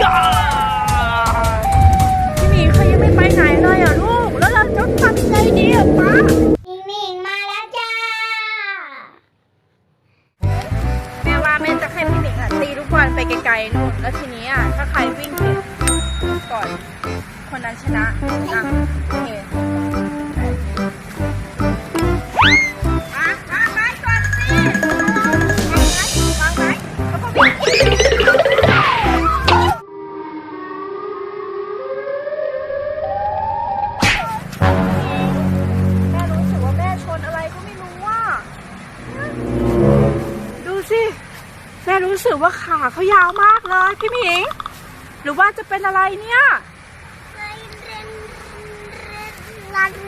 พี่หมีเขายังไม่ไปไหนเลยอ่ะลูกแล้วเราจะทำยังไงดีอ่ะป๊าหมิงมาแล้วจ้าแม่ว่าแม่จะให้พี่หมิงตีลูกบอลไปไกลๆนู่นแล้วทีนี้ถ้าใครวิ่งถึงก่อนคนนั้นชนะโอเคไปก่อนสิวางไว้แล้วก็วิ่งแม่รู้สึกว่าแม่ชนอะไรก็ไม่รู้ว่าดูสิแม่รู้สึกว่าขาเขายาวมากเลยพี่หมิงหรือว่าจะเป็นอะไรเนี่ยรัน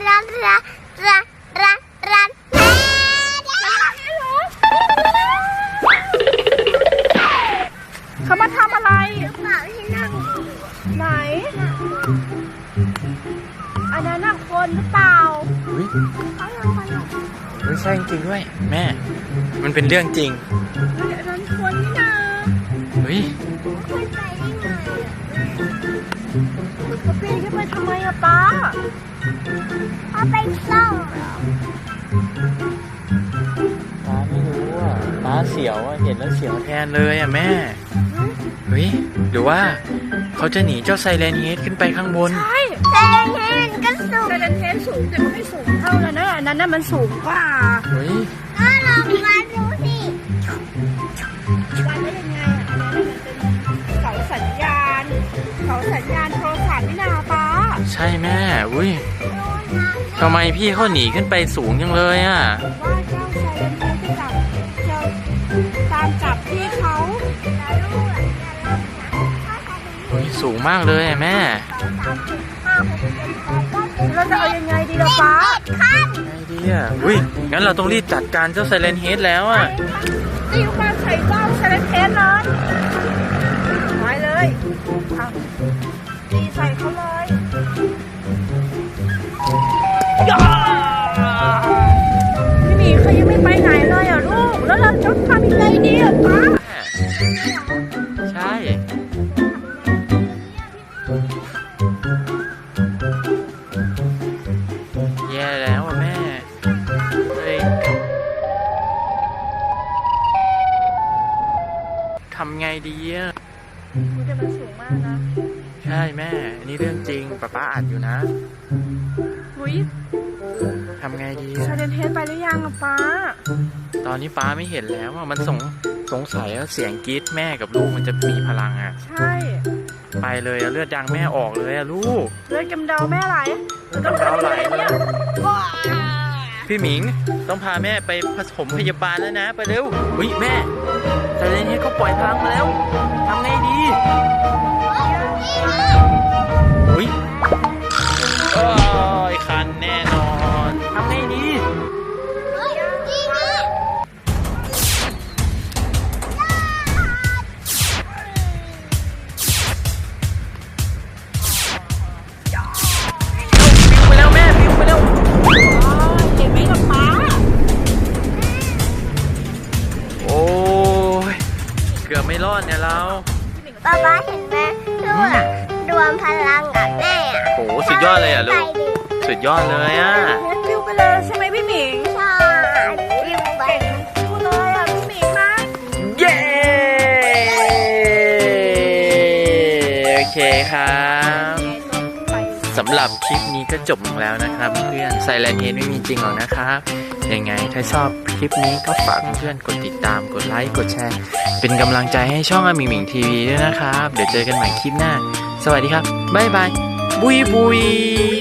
เขามาทำอะไรเปล่าที่นั่งไหนอันนั้นน่ะคนหรือเปล่าไม่ใช่จริงด้วยแม่มันเป็นเรื่องจริงอันนั้นคนนี่นาเฮ้ยเคยไปได้ไงเขาปีนขึ้นไปทำไมอะป้าเขาไปซ่องเหรอป้าไม่รู้อ่ะป้าเสียวอ่ะเห็นแล้วเสียวแทนเลยอ่ะแม่เฮ้ยหรือว่าเขาจะหนีเจ้าไซเรนเฮดขึ้นไปข้างบนใช่แต่เห็นก็สูงไซเรนเฮดสูงแต่มันไม่สูงเท่าแล้วนะอันนั้นน่ะมันสูงกว่าเฮ้ยก็ลองมาดูสิว่าได้ยังไงอันนั้นมันเป็นเสาสัญญาณโทรศัพท์นี่นาป้าใช่แม่อุ้ยทำไมพี่เขาหนีขึ้นไปสูงจังเลยอ่ะว่าเจ้าไซเรนเฮดจะตามจับพี่เขาเฮ้ยสูงมากเลยแม่เราจะเอายังไงดีล่ะป้าไงดีอ่ะอุ้ยงั้นเราต้องรีบจัดการเจ้าไซเรนเฮดแล้วอ่ะตีลูกบอลใส่เจ้าไซเรนเฮดเลยไปเลยตีใส่เขาเลยพี่หมีเขายังไม่ไปไหนเลยอ่ะลูกแล้วเราจะทำยังไงดีอ่ะป้าใช่แย่แล้วอ่ะแม่เฮ้ยทำไงดีอ่ะแต่มันสูงมากนะใช่แม่อันนี้เรื่องจริงป้าอัดอยู่นะอุ้ยทำไงดีไซเรนเฮดไปหรือยังอ่ะป้าตอนนี้ป้าไม่เห็นแล้วอ่ะมันสงสัยว่าเสียงกรี๊ดแม่กับลูกมันจะมีพลังอ่ะใช่ไปเลยเลือดดังแม่ออกเลยอ่ะลูกเลือดกำเดาแม่ไหลกำเดาไหลเนี่ยพี่หมิงต้องพาแม่ไปผสมพยาบาลแล้วนะไปเร็วอุ้ยแม่ไซเรนเฮดเขาปล่อยพลังมาแล้วทำไงดีอุ้ยโอ้ยคันแน่นอนทำไงดีเกือบไม่รอดเนี่ยเราป้าเห็นไหมลูกอะรวมพลังกับแม่อะโอ้สุดยอดเลยอ่ะลูกสุดยอดเลยอ่ะฟิวไปเลยใช่ไหมพี่หมิงใช่ฟิวไปฟิวเลยอ่ะพี่หมิงนะเย้โอเคครับสำหรับคลิปนี้ก็จบลงแล้วนะครับเพื่อนไซเรนเฮดไม่มีจริงหรอกนะครับยังไงถ้าชอบคลิปนี้ก็ฝากเพื่อนกดติดตามกดไลค์กดแชร์เป็นกำลังใจให้ช่องหมิงทีวีด้วยนะครับเดี๋ยวเจอกันใหม่คลิปหน้าสวัสดีครับบ๊ายบายบุย